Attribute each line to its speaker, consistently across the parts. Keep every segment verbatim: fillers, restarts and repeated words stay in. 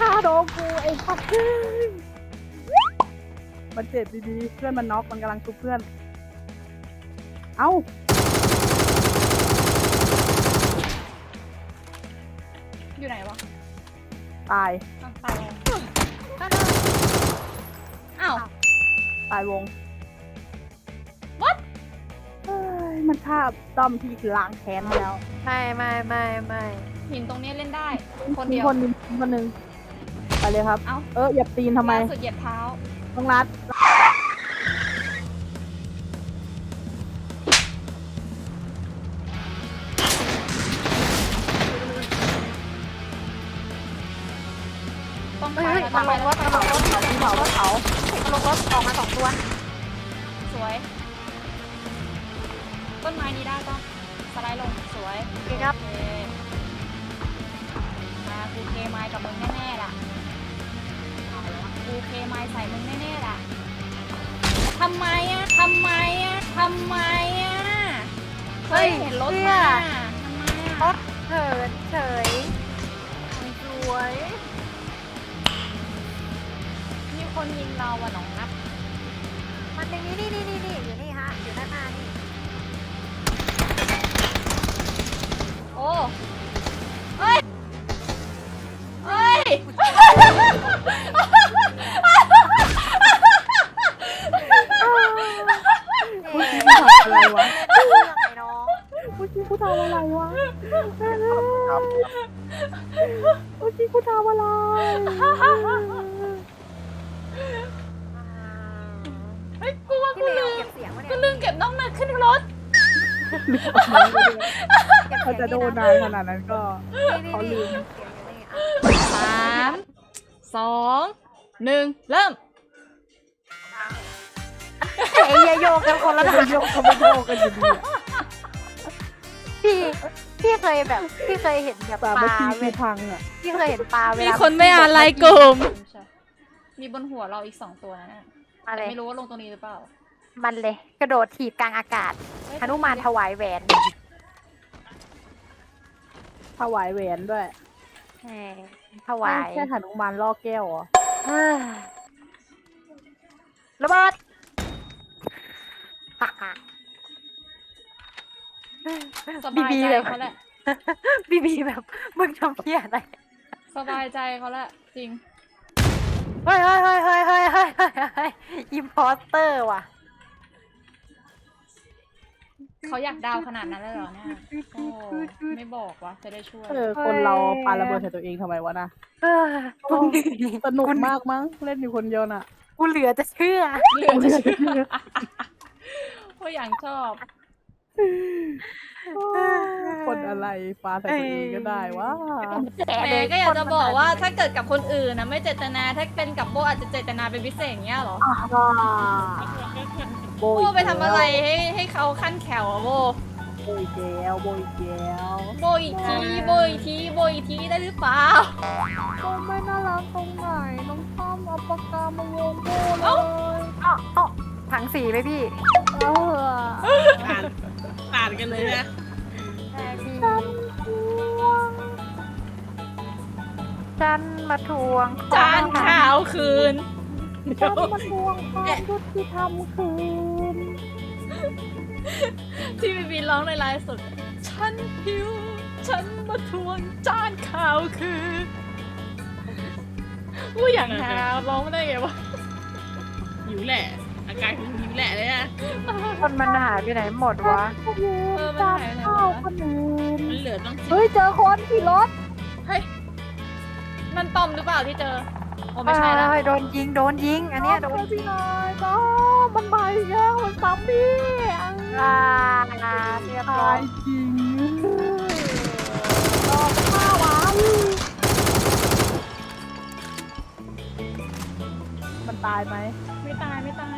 Speaker 1: ฆ่าโดนกูไอ้สัตว์มันเจ็บดีๆเพื่อนมันน็อกมันกำลังชุบเพื่อนเอ้า
Speaker 2: อยู่ไหนวะ
Speaker 1: ตาย
Speaker 2: ตายอ้าว
Speaker 1: ตายวง
Speaker 2: what
Speaker 1: เฮ้ยมันฆ่าต้อมที่ล้างแค้นแล้ว
Speaker 3: ไม่ไม่ไม่ไม่
Speaker 2: หินตรงนี้เล่นได้คนเดียว
Speaker 1: คนนึงคนนึงไปเลยครับ
Speaker 2: เอ้า
Speaker 1: เออเหยียบตีนทำไม
Speaker 2: สุดเหยียบเท้า
Speaker 1: ต้องรัด
Speaker 2: ต้องไป
Speaker 3: เฮ้ย
Speaker 2: แล้ว
Speaker 3: มา
Speaker 2: ต้อง
Speaker 3: ล
Speaker 2: ไป
Speaker 3: ง
Speaker 2: แล้
Speaker 3: ร
Speaker 2: ว
Speaker 3: ถมาลงรถ
Speaker 1: เผาเผาเผา
Speaker 3: มาลงรถออกมาสองตัว
Speaker 2: สวยต้นไม้นี้ได้ต้องสไลด์ลงสวย
Speaker 3: โอเคครับ
Speaker 2: โอเคมากูเคไม้กับมึงแน่ๆล่ะกูเคไม้ใส่มึงแน่ๆล่ะทำไมอ่ะทำไมอ่ะทำไมอ่ะเคยเห็นรถมาทำไม
Speaker 3: ร
Speaker 2: อ่ะ
Speaker 3: ถเฉินเฉยสวย
Speaker 2: มีคนยิงเราอ่ะน้องนับ
Speaker 3: มันอย่างนี้นี่นี่นี่นี่อยู่นี่ฮะอยู่ด้านหน้านี่
Speaker 2: โอ้เฮ้ยเฮ้ย
Speaker 1: พูดจริงกูทำอะไรวะ
Speaker 3: เรื่องไอ้น้อง
Speaker 1: พูดจริงกูทำอะไรวะพูดจริงกูทำอะไร
Speaker 2: เฮ้ยกูว่า
Speaker 3: พี่
Speaker 2: กู
Speaker 3: เม
Speaker 2: ลื
Speaker 3: ย์
Speaker 2: ม
Speaker 3: เก็บเสียงวะเนี่ย
Speaker 2: กูลืมเก็บน้องนัดขึ้นรถ
Speaker 1: เขาจะโดนนานขนาดนั้นก็ เขาลืม
Speaker 2: สามสองหนึ่งเริ่ม
Speaker 3: ไอ้เหี้ยโยกกันคนละ
Speaker 1: เขา
Speaker 3: ทาง
Speaker 1: โยกเขาไม่โยกกันอยู่ดีอะ
Speaker 3: พี่พี่เคยแบบพี่เคยเห็นแบบ
Speaker 1: แต่
Speaker 3: ป
Speaker 1: เมื่อ
Speaker 3: ลา
Speaker 1: กี้
Speaker 3: เว
Speaker 1: คือ
Speaker 3: ลา
Speaker 1: พังอ่ะ
Speaker 3: พี่เคยเห็นปลาเว
Speaker 2: มี
Speaker 3: ลา
Speaker 2: คนไม่อ่านไลน์กลุ่มมีบนหัวเราอีกสองตัวนะ
Speaker 3: อะไร
Speaker 2: ไม่รู้ว่าลงตรงนี้หรือเปล่า
Speaker 3: มันเลย กระโดดถีบกลางอากาศหนุมานถวายแหวน
Speaker 1: ถวายแหวนด้วย
Speaker 3: แหมถวาย
Speaker 1: แค่หนุมานล่อแก้วเหรอ
Speaker 3: เฮ้ยระเบิดฮ่าฮ่า
Speaker 2: สบายใจเขาแหละ
Speaker 3: บีบีแบบมึงทำเพี้ยอะไร
Speaker 2: สบายใจเขาแหละจริง
Speaker 3: เฮ้ยเฮ้ยเฮ้ยเฮ้ยเฮ้ยเฮ้ยเฮ้ยอิมพอสเตอร์ว่ะ
Speaker 2: เขาอยากดาวขนาดนั้นเลยเหรอเนี่ยโอ้ไม่บอกวะจะได้ช่วย
Speaker 1: เออคนเราปาระเบิดใส่ตัวเองทำไมวะนะ
Speaker 3: เออกูเหนื่อย
Speaker 1: สนุกมากมั้งเล่นอยู่คนเดียวน่ะ
Speaker 3: กูเหลือจะเชื่อ
Speaker 2: เหลือจะเชื่อว่าอย่างชอบ
Speaker 1: คนอะไรปาใส่ตัวเองก็ได้วะ
Speaker 2: แม่ก็อยากจะบอกว่าถ้าเกิดกับคนอื่นนะไม่เจตนาถ้าเป็นกับโบอาจจะเจตนาเป็นพิเศษอย่างเงี้ยเหรอ
Speaker 1: โบ
Speaker 2: โบ
Speaker 1: อีก
Speaker 2: ไปทำอะไรให้ให้เขาขั้นแขวอะโบ
Speaker 1: โบอีกแล้วโบอีกแล้ว
Speaker 2: โบอีกทีโบอีกทีโบอีกทีได้หรือเปล่า
Speaker 1: โบไม่น่ารักตรงไหนน้องต้อมเอาปากกามาวงโบเลย
Speaker 2: เอ้า
Speaker 3: เอ้าเอ้าถังสีไหมพี่
Speaker 1: เออ
Speaker 4: อ่านอ่านกันเลยนะ
Speaker 3: ฉันมาทวง
Speaker 2: จานขาวคืน
Speaker 1: ฉันมาทวงความยุติธรรมคืน
Speaker 2: ที่บีบีร้องในไลฟ์สดฉันหิวฉันมาทวงจานขาวคืนอู้อย่างหาร้องได้ไงวะ
Speaker 4: หิวแหละ อาการคือหิวแหละเลยนะ
Speaker 3: คนมันหายไปไหนหมดวะ
Speaker 2: เออมัน
Speaker 1: จาน
Speaker 2: หายไปไหน
Speaker 1: ข้าว
Speaker 2: วะ
Speaker 1: คนอื่น
Speaker 4: มันเหลือต้องสิบ
Speaker 1: เฮ้ยเจอคนขี่รถ
Speaker 2: เฮ้ยนั่นตอมหรือเปล่าที่เจอโอ้
Speaker 3: ไม่
Speaker 2: ไม่ใช่แล้ว
Speaker 3: โดนยิงโดนยิง อันเนี้ยโดน
Speaker 1: ช่วย
Speaker 3: ยิ
Speaker 1: พี่
Speaker 3: ง
Speaker 1: หน่อยน้องมันมาอีกแล้วมันซ้ำพี่
Speaker 3: อ่าเรียบร้
Speaker 1: ตา
Speaker 3: อย
Speaker 1: ยจริงรอข้าวันมันตายไหม
Speaker 2: ไม่ตายไม่ตาย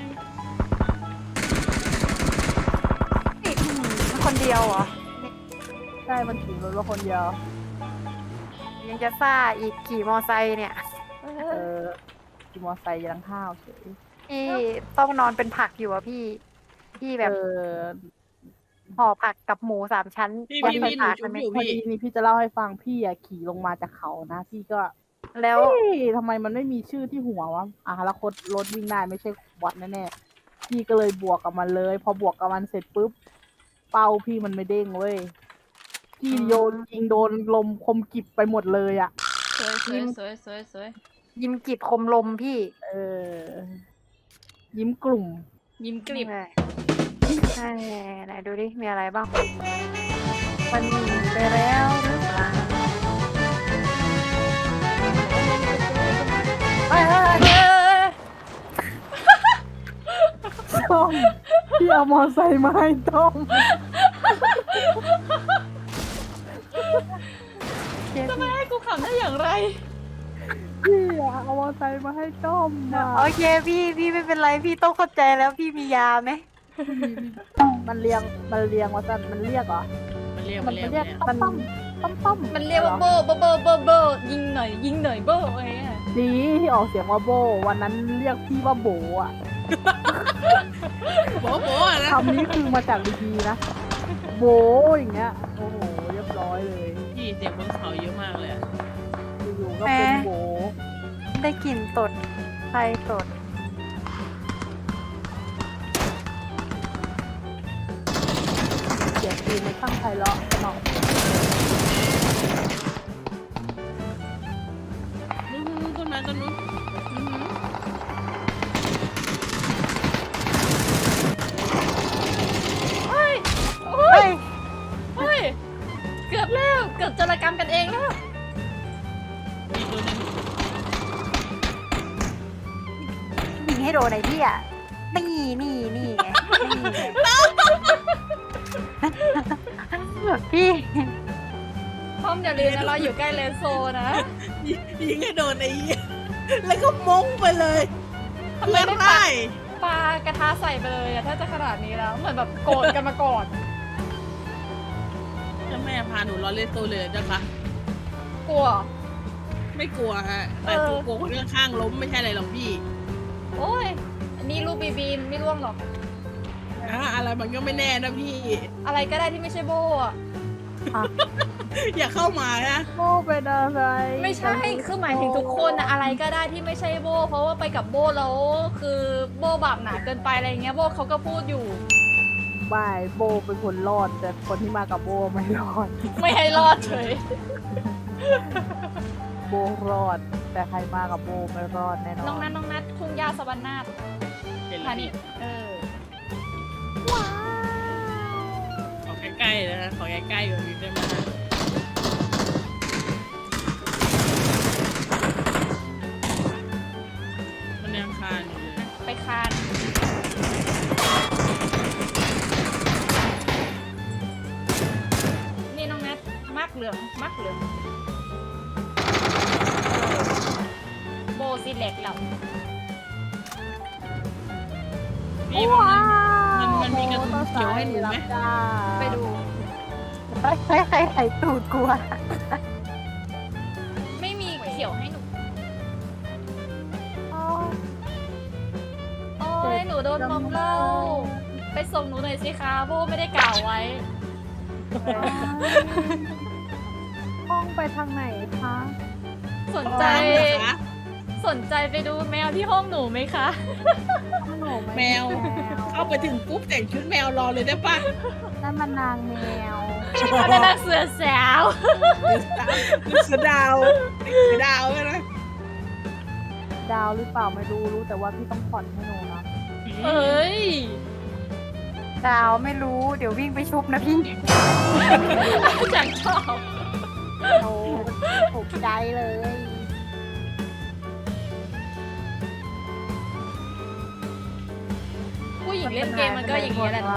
Speaker 3: อีกคนเดียวเหรอ
Speaker 1: ใช่มันขี่รถมาคนเดียว
Speaker 3: ยังจะซ่าอีกขี่มอไซค์เนี่ย
Speaker 1: เออขี่มอไซค์ยังข้าวเฉย
Speaker 3: พี่ต้องนอนเป็นผักอยู่อะพี่ พี่แบบ
Speaker 1: เออ
Speaker 3: ห่อผักกับหมูสามชั้น
Speaker 4: พี่
Speaker 3: ยัด
Speaker 4: พี่
Speaker 3: ใส่
Speaker 4: พี่หนู
Speaker 3: ปาก
Speaker 4: ชุ
Speaker 3: มั
Speaker 4: บ
Speaker 3: นไหม
Speaker 4: อยู่
Speaker 1: พอ
Speaker 4: พี่
Speaker 1: ดีนี่พี่จะเล่าให้ฟังพี่อะขี่ลงมาจากเขานะ พี่ก็
Speaker 3: แล้ว
Speaker 1: เฮ้ยทำไมมันไม่มีชื่อที่หัววะอ่ะแล้วรถรถวิ่งได้ไม่ใช่บอทแน่ๆพี่ก็เลยบวกกับมันเลย พอบวกกับมันเสร็จปุ๊บเป้าพี่มันไม่เด้งเว้ยพี่โยนยิงโดนลมคมกิบไปหมดเลยอ่ะ
Speaker 2: สวยสวยสวยสวยสวย
Speaker 3: ยิมกิดคมลมพี่
Speaker 1: เออ ยิ้มกลุ่ม
Speaker 2: ยิ้มกลิบ
Speaker 3: ใช่ใช่ไหนดูดิ มีอะไรบ้าง มันหนีไปแล้วหรือเปล่าเฮ้ยเฮ้ยเฮ้ย
Speaker 2: เออ
Speaker 1: ต้มพี่เอามอไซค์มาให้ต้ม
Speaker 2: จะมาให้กูขำได้อย่างไร
Speaker 1: พี่อะเอามอไซค์มาให้ต้มอะ
Speaker 3: โอเคพี่พี่ไม่เป็นไรพี่ต้องเข้าใจแล้วพี่มียาไหม
Speaker 1: มันเรียงมันเรียงว่าจะมันเรียกเหรอ
Speaker 4: มันเรียก
Speaker 1: มั
Speaker 4: มัน นเรียก
Speaker 1: เรียก
Speaker 4: มัน
Speaker 1: ต้มต้มต้มต้ม
Speaker 2: มันเรียกว่าโบโบโบโบโบยิงหน่อยยิงหน่อยโบอะไรเงี้ย
Speaker 1: ดีที่ออกเสียงว่าโบ วันนั้นเรียกพี่ว่าโบอะ
Speaker 4: โบะโบะนะ
Speaker 1: คำนี้คือมาจากดีๆนะ โบอย่างเงี้ย โอ้โห เรียบร้อยเลย
Speaker 4: พี่เสียงบนเขาเยอะมากเลยอะ
Speaker 1: อยู่ๆก็เป็นโบ
Speaker 3: ได้กลิ่นตดใครตด
Speaker 1: เสียงปืนในข้างไพเราะสนอง
Speaker 4: นู้นนู้นต้นไม้ต้นนู้นอื้อหือ
Speaker 2: เฮ้ยโอ้
Speaker 3: เฮ้
Speaker 2: ย
Speaker 3: ย
Speaker 2: เฮ้ยเกือบแล้วเกือบจรกรรมกันเองแล้ว
Speaker 4: มีตัวหนึง
Speaker 3: ยิงให้โดนไอ้พี่อ่ะ นี่นี่นี่ไงนี่ไงพี่
Speaker 2: พร้อมอย่าลืมนะเราอยู่ใกล้เลนโซนะ
Speaker 4: ยิงยิงให้โดนไอ้เหี้ยแล้วก็มงไปเลย
Speaker 2: ทำไมไม่
Speaker 4: ได้
Speaker 2: ปาปากระทะใส่ไปเลยอะถ้าจะขนาดนี้แล้วเหมือนแบบโกรธกันมาก่อน
Speaker 4: ถ้าแม่พาหนูรอเล่นโตเลยเจ้าคะ
Speaker 2: กลัว
Speaker 4: ไม่กลัวฮะแต่
Speaker 2: เออ
Speaker 4: กลัวคนข้างๆล้มไม่ใช่อะไรหรอกพี่
Speaker 2: โอ้ยอันนี้ลูกบีบีไม่ร่วงหรอก
Speaker 4: อ่ะอะไรมันก็ไม่แน่นะพี่
Speaker 2: อะไรก็ได้ที่ไม่ใช่โบอะ
Speaker 4: อย่าเข้ามานะ
Speaker 1: โบเป็นอะไร
Speaker 2: ไม่ใช่ คือหมายถึงทุกคนนะอะไรก็ได้ที่ไม่ใช่โบ เพราะว่าไปกับโบแล้วคือโบบาปหนาเกินไปอะไรเงี้ยโบเขาก็พูดอยู่
Speaker 1: ไม่โบเป็นคนรอด แต่คนที่มากับโบไม่รอด
Speaker 2: ไม่ให้รอดเฉย
Speaker 1: โบรอด แต่ใครมากับโบไม่รอดแน่นอน
Speaker 2: น้องนัทน้องนัททุ่งหญ้าสวรรค์นาถ
Speaker 4: เห็นแล้
Speaker 2: พาว นิ
Speaker 4: พี่
Speaker 2: ชย์เออ
Speaker 4: ขอใกล้ๆนะขอใกล้ๆกว่านี้ได้ไหมฮะมันยังคานอยู่เลย
Speaker 2: ไปคาน นี่น้องนัทมักเหลืองมักเหลืองโบซีเล็กเรา
Speaker 4: พี่มันมันมันมีกระสุนเขียวให้หนูไหม
Speaker 2: ไปดู
Speaker 3: ใครใครใครใครตูดกลัว
Speaker 2: ไม่มีเขียวให้หนู โอ้ยหนูโดนมอมเหล้าไปส่งหนูหน่อยสิคะโบไม่ได้กล่าวไว้
Speaker 1: ห้องไปทางไหนคะ
Speaker 2: สนใจ
Speaker 4: ตามเหรอคะ
Speaker 2: สนใจไปดูแมวที่ห้องหนูไหมคะ
Speaker 1: ห้องหนูไ
Speaker 4: แมว เข้าไปถึงปุ๊บแต่งชุดแมวรอเลยได้ปะ
Speaker 1: นั่นมันนางแมว
Speaker 2: อันนั้นนะเสือสาว
Speaker 4: เสือดาวเสือดาวเลยนะ
Speaker 1: ดาวหรือเปล่าไม่รู้รู้แต่ว่าพี่ต้องผ่อนให้หนูนะ
Speaker 2: เอ้ย
Speaker 3: ดาวไม่รู้เดี๋ยววิ่งไปชุบนะพี่
Speaker 2: จังชอบ
Speaker 1: โอ้ถูกใจเลย
Speaker 2: ผู้หญิงเล่นเกมมันก็อย่างนี้แหละเนอะ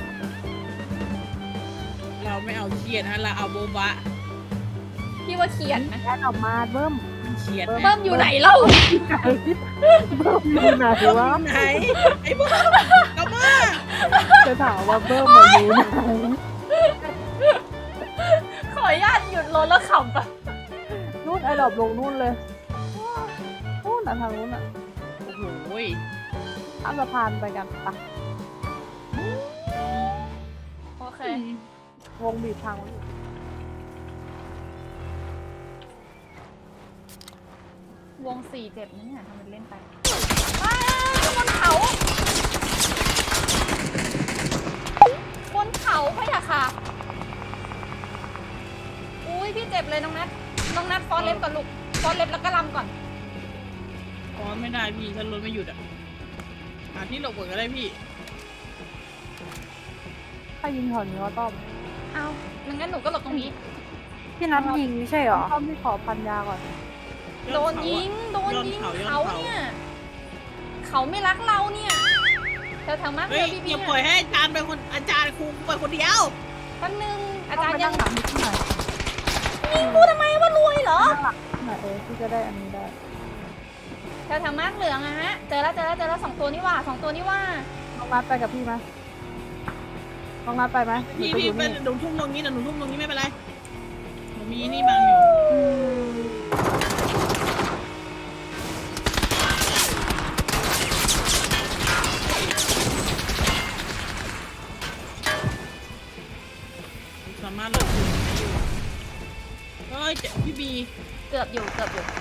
Speaker 4: เราไม่เอาเครียดฮะเราเอาโบบะ
Speaker 2: พี่ว่าเขียนไหม
Speaker 1: แค่ออกมาเบิ้ม
Speaker 4: เครียด
Speaker 1: เบิ้
Speaker 2: เบิ้มอยู่ไหนเล่า
Speaker 1: เบิ้มอยู่ไหนวะ
Speaker 4: ไหนไอ้บ้ากลับมา
Speaker 1: จะถามว่าเบิ้มมาอยู่ไหน
Speaker 2: ขออนุญาตหยุดรถแล้วขำปะ
Speaker 1: นู่นไอ้ดอบลงนู่นเลยนู่นอ่ะทางนู้นอ่ะ
Speaker 4: โอ้โหย
Speaker 1: ข้ามสะพานไปกันปะ
Speaker 2: โอเค
Speaker 1: วงบีบทางไว้อยู่
Speaker 2: วงสี่เจ็บนะเนี่ยทำเป็นเล่นไปอ้าบนเขาบนเขาพะยะค่ะอุ้ยพี่เจ็บเลยน้องนัทน้องนัทฟอนเล็บก่อนลูกฟอนเล็บแล้วก็ลำก่อน
Speaker 4: อ๋อไม่ได้พี่ฉันรถไม่หยุดอ่ะหาที่หลบก่อนก็ได้พี่
Speaker 1: ถ้ายิงแถวนี้ก็ต้อม
Speaker 2: เอางั้นหนูก็หลบตรงนี้
Speaker 3: พี่นัดยิงไม่ใช่เหรอ
Speaker 1: ต้อมที่ขอพันยาก่อน
Speaker 2: โดนยิง โดนยิงเขาเนี่ย เขาไม่รักเราเนี่ยแถวๆมากเล
Speaker 4: เฮ้ย
Speaker 2: ยพี่
Speaker 4: อ
Speaker 2: พี่
Speaker 4: ย่าปล่อยให้อาจารย์เป็นคนอาจารย์ครูไปคนเดียว
Speaker 2: แป๊บนึงอา
Speaker 1: ต้อ
Speaker 2: จาม ร
Speaker 1: ไป
Speaker 2: ย์ยั
Speaker 1: นั่
Speaker 2: ง
Speaker 1: งหลังนิดหน่อย
Speaker 2: ยิงกูทำไมว่ารวยเหรอ
Speaker 1: นั่งหลังนิดหน่อยเออที่จะได้อันนี้ได้
Speaker 2: แถวๆมากเหลืองอะฮะ เจอแล้วเจอแล้วเจอแล้วสองตัวนี่ว่าสองตัวนี่ว่า
Speaker 1: น้องนัดไปกับพี่ไหมน้องนัดไปไหมหรือ
Speaker 4: พี่
Speaker 1: จะอ
Speaker 4: พี่
Speaker 1: ยู่
Speaker 4: เป็น
Speaker 1: นี่
Speaker 4: หนูทุ่มตรงนี้นะหนูทุ่มตรงนี้ไม่เป็นไรหนูมีนี่บังอยู่
Speaker 3: อืม
Speaker 4: สามารถหลบอยู่ได้อยู่เฮ้ยเจ็บพี่บี
Speaker 2: เกือบอยู่เกือบอยู่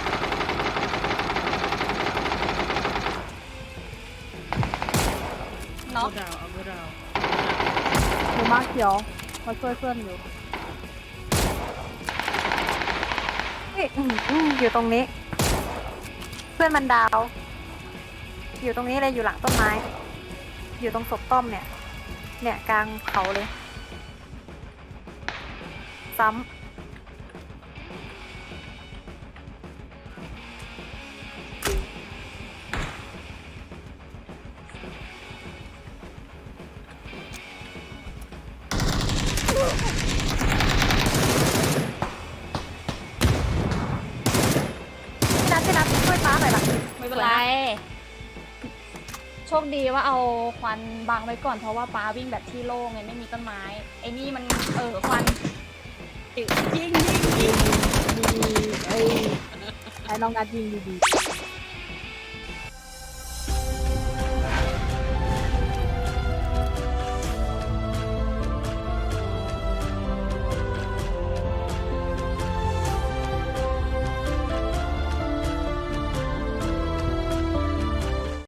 Speaker 2: เนาะ
Speaker 4: เอาดาวเอาดาว
Speaker 1: หนูมาเขียวมาช่วยเพื่อนอยู่
Speaker 3: เฮ้ยอืมอืมอยู่ตรงนี้ เพื่อนมันดาว อยู่ตรงนี้เลยอยู่หลังต้นไม้ อยู่ตรงศพต้อมเนี่ย เนี่ยกลางเขาเลย ซ้ำพี่นัทพี่นัทช่วยฟ้าหน่อยล่ะ
Speaker 2: ไม่เป็นไร โชคดีว่าเอาควันบังไว้ก่อนเพราะว่าป้าวิ่งแบบที่โล่งไงไม่มีต้นไม้ ไอ้นี่มันเออควัน
Speaker 4: ยิงยิงยิง
Speaker 1: ดีไอ้ไอ้น้องนัดยิงดีๆ